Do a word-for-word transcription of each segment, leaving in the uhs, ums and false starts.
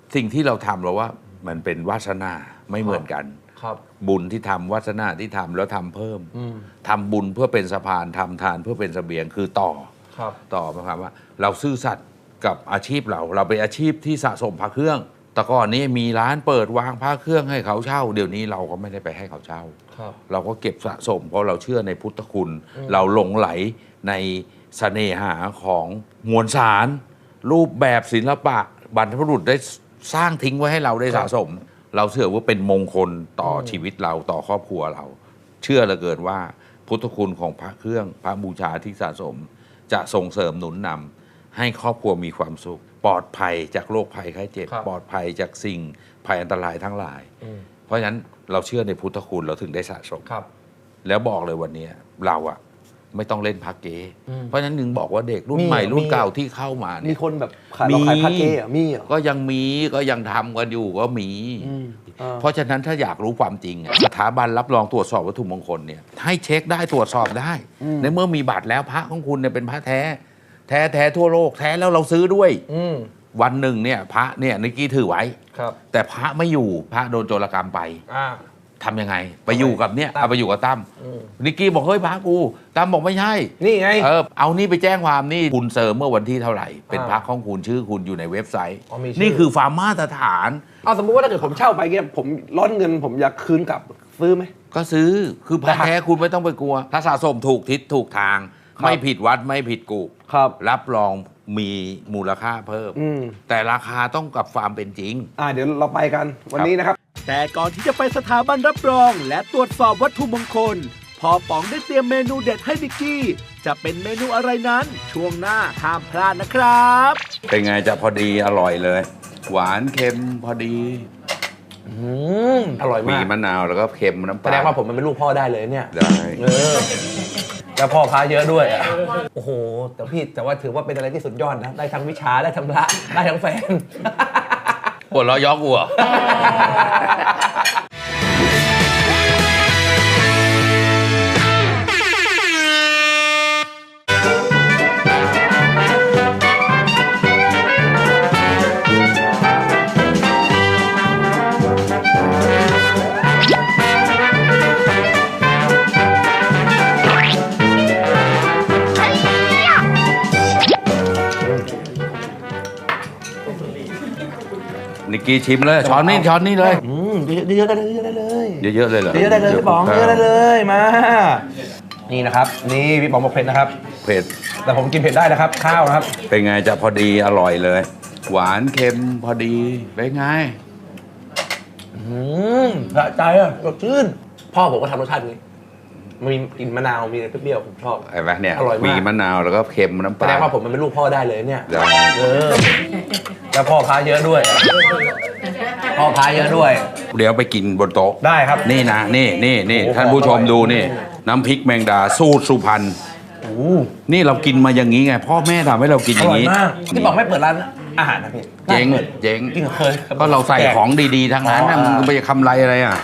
สิ่งที่เราทำเราว่ามันเป็นวาสนาไม่เหมือนกันครับบุญที่ทำวาสนาที่ทำแล้วทำเพิ่มทำบุญเพื่อเป็นสะพานทำทานเพื่อเป็นเสบียงคือต่อต่อหมายความว่าเราซื่อสัตย์กับอาชีพเราเราเป็นอาชีพที่สะสมพระเครื่องแต่ก่อนนี้มีร้านเปิดวางพระเครื่องให้เขาเช่าเดี๋ยวนี้เราก็ไม่ได้ไปให้เขาเช่าเราก็เก็บสะสมเพราะเราเชื่อในพุทธคุณ เราหลงไหลในเสน่หาของมวลสารรูปแบบศิลปะบรรพบุรุษได้สร้างทิ้งไว้ให้เราได้สะสม เราเชื่อว่าเป็นมงคลต่อชีวิตเราต่อครอบครัวเรา เชื่อเหลือเกินว่าพุทธคุณของพระเครื่องพระบูชาที่สะสม จะส่งเสริมหนุนนำให้ครอบครัวมีความสุข ปลอดภัยจากโรคภัยไข้เจ็บปลอดภัยจากสิ่งภัยอันตรายทั้งหลาย เพราะฉะนั้นเราเชื่อในพุทธคุณเราถึงได้สะสมแล้วบอกเลยวันนี้เราอะไม่ต้องเล่นพระเก๊เพราะฉะนั้นนึงบอกว่าเด็กรุ่นใหม่รุ่นเก่าที่เข้ามาเนี่ยมีคนแบบขายเราขายพระเก๊อะมีเหรอก็ยังมีก็ยังทำกันอยู่ก็มีเพราะฉะนั้นถ้าอยากรู้ความจริงสถาบันรับรองตรวจสอบวัตถุมงคลเนี่ยให้เช็คได้ตรวจสอบได้ในเมื่อมีบัตรแล้วพระของคุณเนี่ยเป็นพระแท้แท้แท้ทั่วโลกแท้แล้วเราซื้อด้วยวันหนึ่งเนี่ยพระเนี่ยนิกกี้ถือไว้แต่พระไม่อยู่พระโดนโจรกรรมไปทำยังไงไปอยู่กับเนี่ยเอาไปอยู่กับตั้มนิกกี้บอกเฮ้ยพระกูตั้มบอกไม่ใช่นี่ไงเออเอานี่ไปแจ้งความนี่คุณเสริมเมื่อวันที่เท่าไหร่เป็นพระของคุณชื่อคุณอยู่ในเว็บไซต์นี่คือความมาตรฐานเอาสมมติว่าถ้าเกิดผมเช่าไปเนี่ยผมร้อนเงินผมอยากคืนกลับซื้อไหมก็ซื้อคือพระแท้คุณไม่ต้องไปกลัวถ้าสะสมถูกทิศถูกทางไม่ผิดวัดไม่ผิดกูครับรับรองมีมูลค่าเพิ่มแต่ราคาต้องกับความเป็นจริงอ่าเดี๋ยวเราไปกันวันนี้นะครับแต่ก่อนที่จะไปสถาบันรับรองและตรวจสอบวัตถุมงคลพอป๋องได้เตรียมเมนูเด็ดให้บิกกี้จะเป็นเมนูอะไรนั้นช่วงหน้าห้ามพลาดนะครับเป็นไงจะพอดีอร่อยเลยหวานเค็มพอดีอืมอร่อยมากมีมะนาวแล้วก็เค็มน้ำปลาแสดงว่าผมมันเป็นลูกพ่อได้เลยเนี่ยได้เออแล้วพ่อพาเยอะด้วยอ่ะโอ้โหแต่พี่แต่ว่าถือว่าเป็นอะไรที่สุดยอดนะได้ทั้งวิชาได้ทั้งพระได้ทั้งแฟนปวดล้อยอกวัวนิกกี้ชิมเลยช้อนนี้ช้อนนี้เลยอืมเยอะๆได้เลยเยอะๆได้เลยเยอะๆเลยเหรอเยอะๆได้เลยพี่ป๋องเยอะๆได้เลยมานี่นะครับนี่พี่ป๋องบอกเผ็ดนะครับเผ็ดแต่ผมกินเผ็ดได้นะครับข้าวนะครับเป็นไงจะพอดีอร่อยเลยหวานเค็มพอดีเป็นไงอืมสะใจอ่ะสดชื่นพ่อผมก็ทำรสชาตินี้มีกลิ่นมะนาวมีเปรี้ยวผมชอบไอ้แม่เนี่ยอร่อยมากมีมะนาวแล้วก็เค็มน้ำปลาแสดงว่าผมมันเป็นลูกพ่อได้เลยเนี่ยเออแล้วพ่อพาเยอะด้วยพ่อพาเยอะด้วยเดี๋ยวไปกินบนโต๊ะได้ครับนี่นะนี่นี่นี่ท่านผู้ชมดูนี่น้ำพริกแมงดาสูตรสุพรรณนี่เรากินมาอย่างนี้ไงพ่อแม่ทำให้เรากินอย่างนี้ที่บอกไม่เปิดร้านอาหารนะพี่เจ๊งเจ๊งจริงเคยก็เราใส่ของดีๆทั้งนั้นมึงไปทำไรอะไรอ่ะ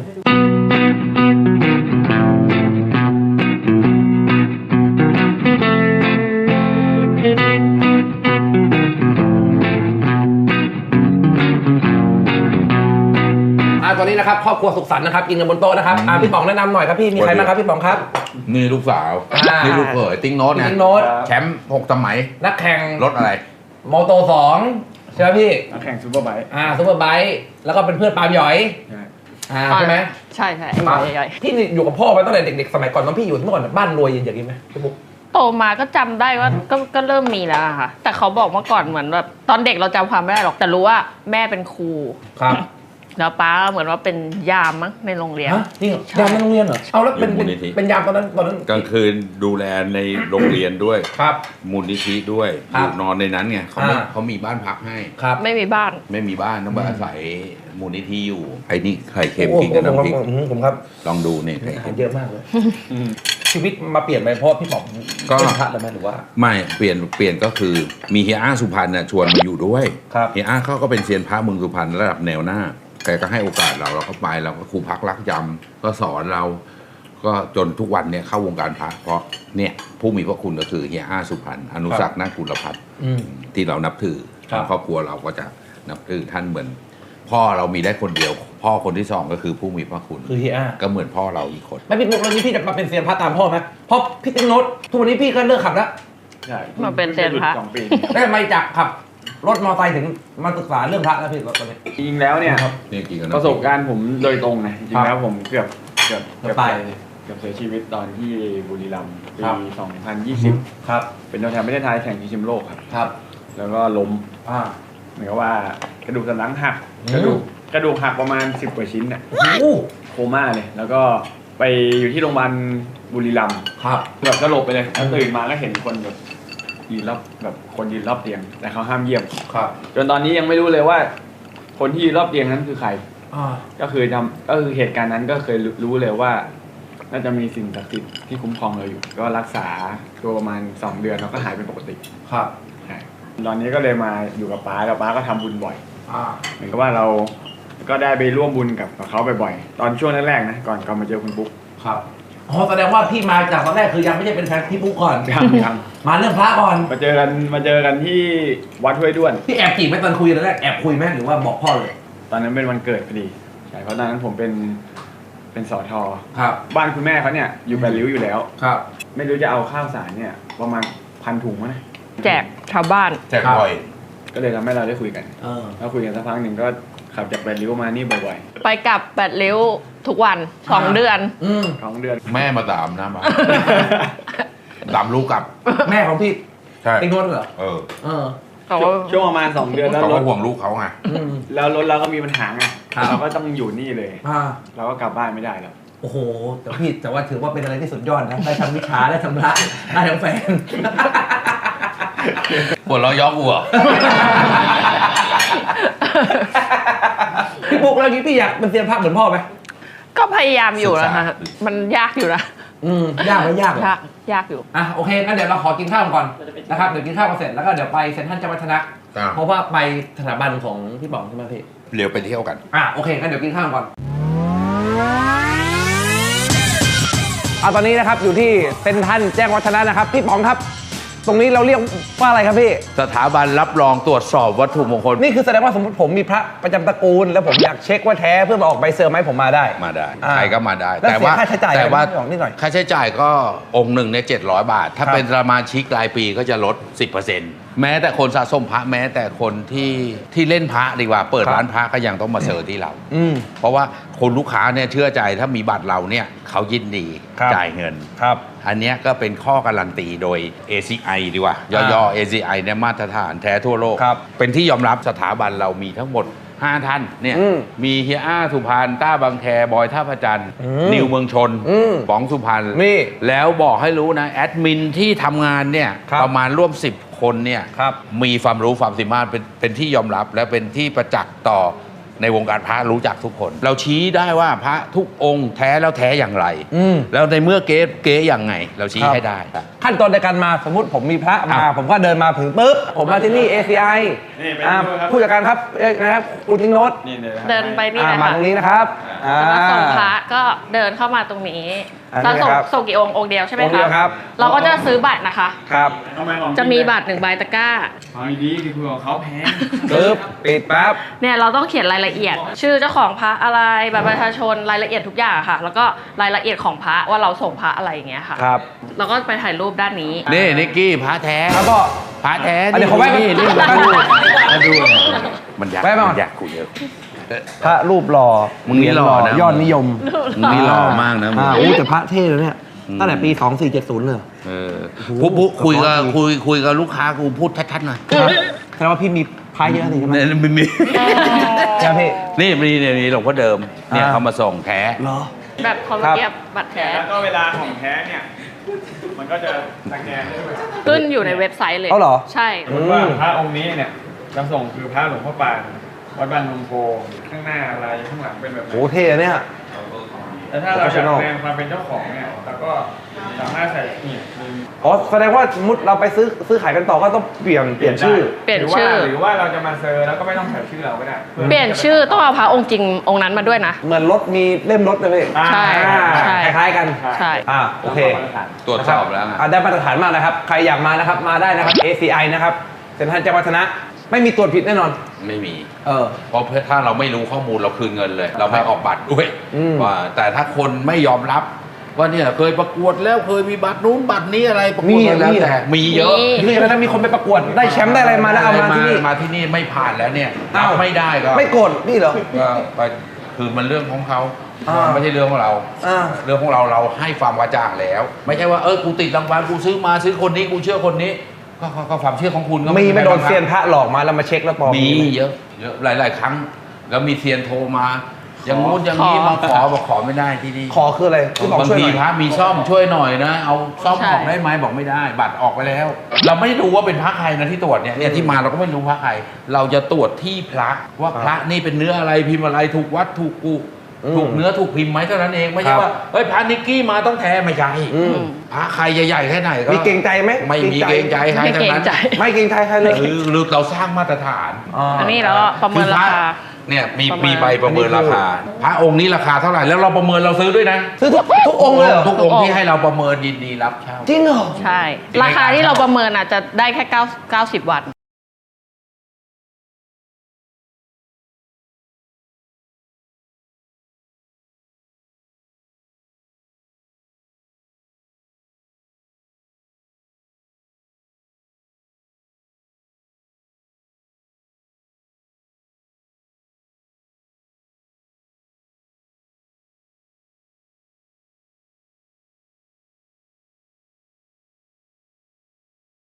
ตอนนี้นะครับครอบครัวสุขสันต์นะครับกินกันบนโต๊ะนะครับพี่ป๋องแนะนำหน่อยครับพี่มีใครบ้างครับพี่ป๋องครับนี่ลูกสาวนี่ลูกเขยติ๊งโน้ตติ๊งโน้ตแชมป์หกสมัยนักแข่งรถอะไรมอโตสองใช่ไหมพี่นักแข่งซูเปอร์ไบค์อ่าซูเปอร์ไบค์แล้วก็เป็นเพื่อนปาล์มหยอยอ่าใช่ไหมใช่ใช่ปาล์มหยอยที่อยู่กับพ่อมาตั้งแต่เด็กๆสมัยก่อนตอนพี่อยู่เมื่อก่อนบ้านรวยอย่างนี้ไหมพี่บุ๊กโตมาก็จำได้ว่าก็ก็เริ่มมีแล้วค่ะแต่เขาบอกเมื่อก่อนเหมือนแบบตอนเด็กเราจำความไม่ได้หรอกแต่รู้ว่าแม่เป็นครูครับแล้วป้าเหมือนว่าเป็นยามมั้งในโรงเรียนจริงยามในโรงเรียนเหรอเอาแล้วเป็นเป็นยามตอนนั้นตอนนั้นกลางคืนดูแลในโรงเรียนด้วยครับมูลนิธิด้วยอยู่นอนในนั้นไงเขาไม่เขามีบ้านพักให้ครับไม่มีบ้านไม่มีบ้านต้องมาอาศัยมูลนิธิอยู่ไอ้นี่ไข่เค็มกินกับน้ำพริกผมครับลองดูเนี่ยไข่เค็มเยอะมากเลยชีวิตมาเปลี่ยนไปเพราะพี่ป๋องก็เป็นพระแล้วไหมหรือว่าไม่เปลี่ยนเปลี่ยนก็คือมีเฮียอ้าสุพรรณน่ะชวนมาอยู่ด้วยเฮียอ้าเขาก็เป็นเซียนพระเมืองสุพรรณระดับแนวหน้าแกก็ให้โอกาสเราเราก็ไปเราก็ครูพักรักจำก็สอนเราก็จนทุกวันเนี่ยเข้าวงการพระเพราะเนี่ยผู้มีพระคุณก็คือเฮียอ้าสุพรรณอนุสักษ์นากุลพัฒน์ที่เรานับถือครอบครัวเราก็จะนับถือท่านเหมือน พ่อเรามีได้คนเดียว พ่อคนที่สองก็คือผู้มีพระคุณคือเฮียอาก็เหมือนพ่อเราอีกคนไม่พี่ปุ๊กแล้วนี้พี่จะมาเป็นเซียนพระตามพ่อไหมเพราะพี่ติ๊งโน้ตทุกวันนี้พี่ก็เลิกขับแล้วใช่มาเป็นเซียนพระสองปีแล้วทำไมจากขับรถมอเตอร์ไซค์ถึงมาศึกษาเรื่องพระแล้วพี่รถตอนนี้จริงๆแล้วเนี่ยนี่กินกันประสบการณ์ผมโดยตรงนะจริงๆแล้วผมเกือบเกือบเกือบตายเกือบเสียชีวิตตอนที่บุรีรัมย์ปีครับสองพันยี่สิบครับเป็นตัวแทนประเทศไทยแข่งชิงแชมป์โลกครับครับแล้วก็ล้มอ่าเหมือนกับว่ากระดูกสันหลังหักอืมกระดูกกระดูกหักประมาณสิบกว่าชิ้นน่ะโอ้โหโคม่าเลย แล้วก็ไปอยู่ที่โรงพยาบาลบุรีรัมย์ครับแบบสลบไปเลยแล้วตื่นมาก็เห็นคนแบบยืนรอบแบบคนยืนรอบเตียง แต่เขาห้ามเยี่ยมครับจนตอนนี้ยังไม่รู้เลยว่า คนที่ยืนรอบเตียงนั้นคือใครอ่าก็คือทำก็คือเหตุการณ์นั้นก็เคยรู้เลยว่า น่าจะมีสิ่งศักดิ์สิทธิ์ที่คุ้มครองเราอยู่ ก็รักษาตัวประมาณสองเดือนแล้วก็หายเป็นปกติครับใช่ตอนนี้ก็เลยมาอยู่กับป้าแล้วป้าก็ทำบุญบ่อยอ่าเหมือนกับว่าเราก็ได้ไปร่วมบุญกับกับเขาบ่อยๆตอนช่วงแรกๆนะก่อนก่อนมาเจอคุณปุ๊กครับอ๋อแสดงว่าพี่มาจากตอนแรกคือยังไม่ใช่เป็นแฟนพี่ปุ๊กก่อนยังยังมาเรื่องพระก่อนมาเจอกันมาเจอกันที่วัดห้วยด้วนพี่แอบจีบไหมตอนคุยตอนแรกแอบคุยไหมหรือว่าบอกพ่อเลยตอนนั้นเป็นวันเกิดพอดีใช่เพราะตอนนั้นผมเป็นเป็นสอทอครับบ้านคุณแม่เขาเนี่ยอยู่แปดริ้วอยู่แล้วครับไม่รู้จะเอาข้าวสารเนี่ยประมาณพันถุงมั้งนะแจกชาวบ้านแจกบ่อยก็เลยทำให้เราได้คุยกันเออแล้วคุยกันสักพักหนึ่งก็ขับจากแปดริ้วมานี่บ่อยไปกลับแปดริ้วทุกวันสองเดือนอืมๆสองเดือนแม่มาตามนะมา ตามลูกกลับแม่ของพี่ใช่ติ๊งโน้ตเหรอเออเออเขาช่วงประมาณสองเดือนแล้วเขารก็ถห่วงลูกเขาไงอืมแล้วรถเราก็มีปัญหาไงครับเราก็ต้องอยู่นี่เลยอ่าเราก็กลับบ้านไม่ได้แล้วโอ้โห แต่พี่แต่ว่าถือว่าเป็นอะไรที่สุดยอดนะ ได้ทั้งวิชาได้ทั้งพระได้ทั้งแฟนปวดเราะย้อกวัวพี่ปุ๊กแล้วนี้พี่อยากเป็นเซียนพระเหมือนพ่อไหมก็พยายามอยู่นะคะศึกษามันยากอยู่นะอืมยากไหมยากเหรอยากยากอยู่อ่ะโอเคงั้นเดี๋ยวเราขอกินข้าวก่อนนะครับเดี๋ยวกินข้าวกันเสร็จแล้วก็เดี๋ยวไปเซ็นทรัลเจ้าวัฒนะอ่าเพราะว่าไปสถาบันของพี่ป๋องใช่ไหมพี่เดี๋ยวไปเที่ยวกันอ่ะโอเคงั้นเดี๋ยวกินข้าวก่อนเอาตอนนี้นะครับอยู่ที่เซ็นทรัลแจ้งวัฒนะนะครับพี่ป๋องครับ ตรงนี้เราเรียกว่าอะไรครับพี่สถาบันรับรองตรวจสอบวัตถุมงคลนี่คือแสดงว่าสมมติผมมีพระประจำตระกูล แล้วผมอยากเช็คว่าแท้เพื่อมาออกใบเซอร์ไหมผมมาได้มาได้อ่าใครก็มาได้แล้วแต่ว่าเสียค่าใช้จ่ายแต่ว่าอะไรไหมพี่ป๋องนิดหน่อยค่าใช้จ่ายก็องค์หนึ่งเนี่ยเจ็ดร้อยบาท ถ้าครับเป็นสมาชิกรายปีก็จะลด สิบเปอร์เซ็นต์ แม้แต่คนสะสมพระแม้แต่คนที่ที่เล่นพระดีกว่า เปิดครับร้านพระก็ยังต้องมาเซอร์ที่เราอืมเพราะว่าคนลูกค้าเนี่ยเชื่อใจถ้ามีบัตรเราเนี่ยเขายินดีครับจ่ายเงินครับอันเนี้ยก็เป็นข้อการันตีโดย เอ ซี ไอ ดีกว่า ย่อๆ เอ ซี ไอ เนี่ยมาตรฐานแท้ทั่วโลกครับเป็นที่ยอมรับสถาบันเรามีทั้งหมด ห้า ท่านเนี่ยอืมมีเฮียอ้าสุพรรณต้าบางแคบอยท่าพระจันทร์อืมนิวเมืองชนอืมป๋องสุพรรณนี่แล้วบอกให้รู้นะ แอดมินที่ทำงานเนี่ยครับประมาณร่วม สิบ คนเนี่ยครับมีความรู้ความสามารถเป็นเป็นที่ยอมรับและเป็นที่ประจักษ์ต่อในวงการพระรู้จักทุกคน เราชี้ได้ว่าพระทุกองค์แท้แล้วแท้อย่างไรอืมแล้วในเมื่อเก๊เก๊อย่างไง เราชี้ครับให้ได้ขั้นตอนในการมาสมมติผมมีพระมาอ่ะผมก็เดินมาถึงปุ๊บผมมาที่นี่ เอ ซี ไอนี่ไปอ่าดูครับผู้จัดการครับเอ้ยนะครับคุณทิ้งโน้ตนี่เลยครับเดินไปนี่อ่าเลยมาค่ะตรงนี้นะครับอ่าแล้วก็ส่งพระก็เดินเข้ามาตรงนี้อันนี้เราส่งนะครับส่งกี่องค์องค์เดียวใช่ไหมองค์เดียวครับเราก็จะซื้อบัตรนะคะครับทำไมของจะมีบัตรหนึ่งใบตะกร้าของดีๆคือคุยกับเขาแพงปึ๊บปิดปั๊บเนี่ยเราต้องเขียนรายละเอียด ชื่อเจ้าของพระอะไรบัตรประชาชนรายละเอียดทุกอย่างค่ะ แล้วก็รายละเอียดของพระว่าเราส่งพระอะไรอย่างเงี้ยค่ะครับเราก็ไปถ่ายรูปด้านนี้นี่นิกกี้พระแท้ครับพ่อพระแท้อันนี้ขอแวะนี่นี่แวะมามาดูมาดูมันอยากแวะมาก่อนมันอยากกูเยอะพระรูปหล่อมึงนี่หล่อนะยอดนิยมมึงนี่หล่อมากนะมึงอ่าอู้แต่พระเท่เลยเนี่ยอืมตั้งแต่ปีสองสี่เจ็ดศูนย์เลยเออพูดพูดคุยกับคุยคุยกับลูกค้ากูพูดชัดๆหน่อยแสดงว่าพี่มีพระเยอะเลยใช่ไหมเนี่ยมีมีใช่ไหมพี่นี่มีเนี่ยมีหลวงพ่อเดิมเนี่ยอ่าเขามาส่งแท้เหรอแบบเขาครับเก็บบัตรแท้แล้วก็เวลาของแท้เนี่ย มันก็จะสแกนได้ด้วยขึ้นอยู่ในเว็บไซต์เลยเอาเหรอใช่สมมติว่าพระองค์นี้เนี่ยจะส่งคือพระหลวงพ่อปานวัดบ้านนงโพข้างหน้าอะไรข้างหลังเป็นแบบไหนโอ้เท่อะเนี่ยแต่ถ้าเราอยาก Professional แสดงความเป็นเจ้าของเนี่ยเราก็สามารถใส่นี่มีอ๋อแสดงว่าสมมติเราไปซื้อซื้อขายกันต่อก็ต้องเปลี่ยนเปลี่ยนชื่อเปลี่ยนหรือว่าชื่อหรือว่าเราจะมาเซอร์แล้วก็ไม่ต้องใส่ชื่อเราก็ได้เปลี่ยนชื่อต้องเอาพระองค์จริงองค์นั้นมาด้วยนะเหมือนรถมีเล่มรถเลยพี่อ่าใช่อ่าใช่คล้ายๆกันใช่อ่าโอเคตรวจสอบแล้วไงอ่าได้มาตรฐานมากนะครับ ใครอยากมานะครับ มาได้นะครับ เอ ซี ไอ นะครับเซ็นทรัลแจ้งวัฒนะ ไม่มีตรวจผิดแน่นอนไม่มีเออเพราะถ้าเราไม่รู้ข้อมูลเราคืนเงินเลย เราไม่ออกบัตรด้วยอืมว่าแต่ถ้าคนไม่ยอมรับ ว่าเนี่ยเคยประกวดแล้วเคยมีบัตรนู้นบัตรนี้อะไรประกวดมาแล้วแต่มีเยอะนี่แล้วนะมีคนไปประกวดได้แชมป์ได้อะไรมาแล้วเอามาที่นี่มาที่นี่ไม่ผ่านแล้วเนี่ยอ้าวรับไม่ได้ก็ไม่โกรธนี่เหรอก็ไปคือมันเรื่องของเขาอ่าไม่ใช่เรื่องของเราอ่าเรื่องของเราเราให้ความกระจ่างแล้ว ไม่ใช่ว่าเออกูติดรางวัลกูซื้อมาซื้อคนนี้กูเชื่อคนนี้ก็ก็ก็ความเชื่อของคุณก็มีไม่โดนใครบ้างครับเซียนพระหลอกมาแล้วมาเช็คแล้วปลอมมีเยอะเยอะหลาย ๆ ครั้ง แล้วมีเซียนโทรมา อย่างงู้นอย่างนี้ขอมาขอบอกขอไม่ได้ที่นี่ขอคืออะไรคือบอกบางช่วยหทีน่อยพระมีซ่อมช่วยหน่อยนะ เอาซ่อมใช่ออกได้ไหมบอกไม่ได้ บัตรออกไปแล้ว เราไม่รู้ว่าเป็นพระใครนะที่ตรวจเนี่ยเนี่ยที่มาเราก็ไม่รู้พระใคร เราจะตรวจที่พระว่าพระนี่เป็นเนื้ออะไรพิมพ์อะไรถูกวัดถูกกูถูกเนื้อถูกพิมพ์ไหมเท่านั้นเองไม่ใช่ว่าเฮ้ยพระนิกกี้มาต้องแท้ไม่ใช่อืมพระใครใหญ่ๆแค่ไหนก็มีเกรงใจไหมไม่มีเกรงใจใครไม่ทั้เกรง งนั้นใจไม่เกรงใจใครเลยหรือหรือเราสร้างมาตรฐานอันนี้เราก็ประเมินราคาเนี่ยมีประเมินมีใบประเมินราคา พระองค์นี้ราคาเท่าไหร่แล้วเราประเมินเราซื้อด้วยนะซื้อทุกทุกองค์เลยเหรอทุกองค์ที่ให้เราประเมินยินดีรับเช่าจริงเหรอใช่ ราคาที่เราประเมินอาจจะได้แค่เก้า เก้าสิบวัน